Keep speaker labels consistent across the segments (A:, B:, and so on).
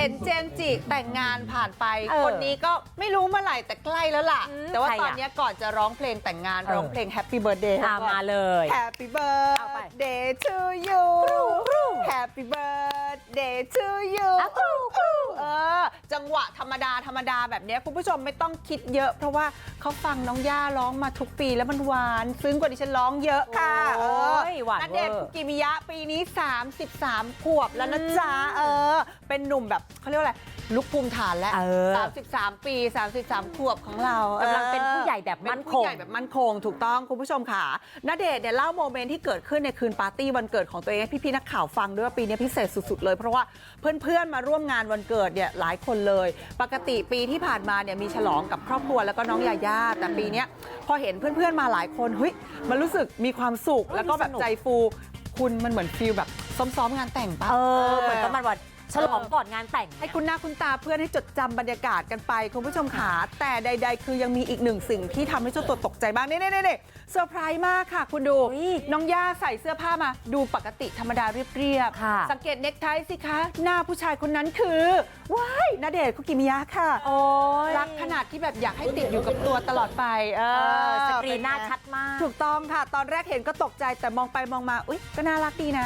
A: เห็นเจมส์จิแต่งงานผ่านไปคนนี้ก็ไม่รู้เมื่อไหร่แต่ใกล้แล้วล่ะแต่ว่าตอนนี้ก่อนจะร้องเพลงแต่งงานร้องเพลง Happy Birthday
B: มาเลย
A: Happy Birthday to you Happy Birthday to you จังหวะธรรมดาแบบนี้คุณผู้ชมไม่ต้องคิดเยอะเพราะว่าเขาฟังน้องย่าร้องมาทุกปีแล้วมันหวานซึ้งกว่าดิฉันร้องเยอะค่ะณเดชน์คุกิมิยะปีนี้33 ขวบแล้วนะจ๊ะเป็นหนุ่มแบบเขาเรียกว่าอะไรลุกภูมิฐานแล้ว33 ปี33 ขวบของเรา
B: กำลังเป็นผู้ใหญ่แบบมั่นคง
A: ถูกต้องคุณผู้ชมค่ะณเดชน์เนี่ยเล่าโมเมนต์ที่เกิดขึ้นในคืนปาร์ตี้วันเกิดของตัวเองให้พี่ๆนักข่าวฟังด้วยว่าปีนี้พิเศษสุดๆเลยเพราะว่าเพื่อนๆมาร่วมงานวันเกิดเนี่ยหลายคนเลยปกติปีที่ผ่านมาเนี่ยมีฉลองกับครอบครัวแล้วก็น้องยาย่าแต่ปีนี้พอเห็นเพื่อนๆมาหลายคนเฮ้ยมันรู้สึกมีความสุขแล้วก็แบบใจฟูคุณมันเหมือนฟีลแบบซ้อมงานแต่งปะ
B: เหมือนประมาณว่าฉลองก่อนงานแต่ง
A: ให้คุณหน้าคุณตาเพื่อนให้จดจำบรรยากาศกันไปคุณผู้ชมขาแต่ใดๆคือยังมีอีกหนึ่งสิ่งที่ทำให้เจ้าตัวตกใจบ้างนี่เซอร์ไพรส์มากค่ะคุณดูน้องย่าใส่เสื้อผ้ามาดูปกติธรรมดาเรียบๆสังเกตเน็กไทสิคะหน้าผู้ชายคนนั้นคือว้ายณเดชน์คุกิมิยะค่ะรักขนาดที่แบบอยากให้ติดอยู่กับตัวตลอดไป
B: สกรีนหน้าชัดมาก
A: ถูกต้องค่ะตอนแรกเห็นก็ตกใจแต่มองไปมองมาอุ๊ยก็น่ารักดีนะ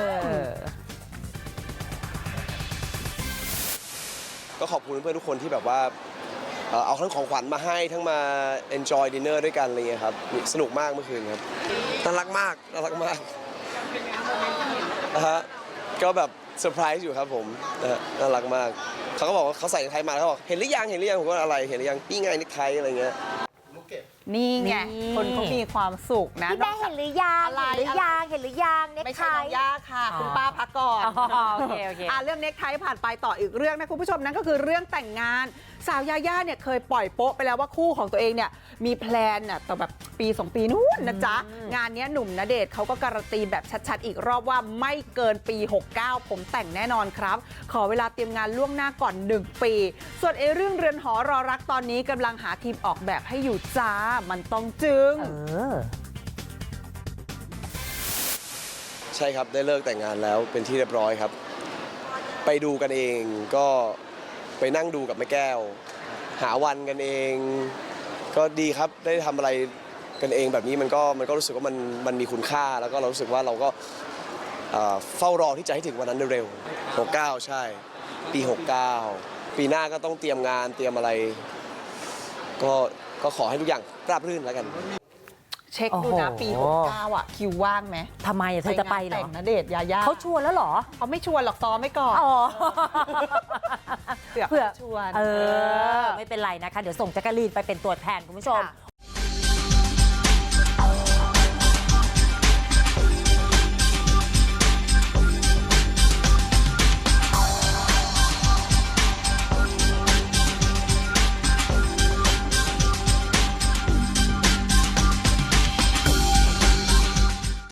C: ก็ขอบคุณเพื่อนทุกคนที่แบบว่าเอาทั้งของขวัญมาให้ทั้งมา enjoy dinner ด้วยกันอะไรเงี้ยครับสนุกมากเมื่อคืนครับน่ารักมากก็แบบเซอร์ไพรส์อยู่ครับผมน่ารักมากเขาก็บอกว่าเขาใส่เนคไทมาแล้วเขาบอกเห็นหรือยังผมก็อะไรเห็นหรือยังนี่ไงเนคไทอะไรเงี้ย
A: นี่ไงคนเขามีความสุขนะ
B: พี่แม่เห็นหรือยังเน็กไท
A: ไม่ใช่น้องย่าค่ะคุณป้าพักก่อน
B: โอเค
A: เรื่องเน็กไทผ่านไปต่ออีกเรื่องนะคุณผู้ชมนั่นก็คือเรื่องแต่งงานสาวยาย่าเนี่ยเคยปล่อยโป๊ะไปแล้วว่าคู่ของตัวเองเนี่ยมีแพลนน่ะต่อแบบปี2 ปีนู้นนะจ๊ะงานนี้หนุ่มณเดชน์เขาก็การันตีแบบชัดๆอีกรอบว่าไม่เกินปี69ผมแต่งแน่นอนครับขอเวลาเตรียมงานล่วงหน้าก่อน1 ปีส่วนเรื่องเรือนหอรอรักตอนนี้กำลังหาทีมออกแบบให้อยู่จ้ามันต้องจึง
C: ใช่ครับได้เลิกแต่งงานแล้วเป็นที่เรียบร้อยครับไปดูกันเองก็ไปนั่งดูกับแม่แก้วหาวันกันเองก็ดีครับได้ทำอะไรกันเองแบบนี้มันก็รู้สึกว่ามันมีคุณค่าแล้วก็เรารู้สึกว่าเราก็เฝ้ารอที่จะให้ถึงวันนั้นเร็วๆ69ใช่ปี69ปีหน้าก็ต้องเตรียมงานเตรียมอะไรก็ขอให้ทุกอย่างราบรื่นแล้วกัน
A: เช็คดูนะปี69อ่ะคิวว่างไหม
B: ทำไมเธอจะไปเหรอ
A: ณเดชน์ยาย่า
B: เขาชวนแล้วเหรอ
A: เขาไม่ชวนหรอกซ้อมไม่ก่อน
B: เผื่อ
A: ชวน
B: ไม่เป็นไรนะคะเดี๋ยวส่งแจ๊กกะลีนไปเป็นตัวแทนคุณผู้ชม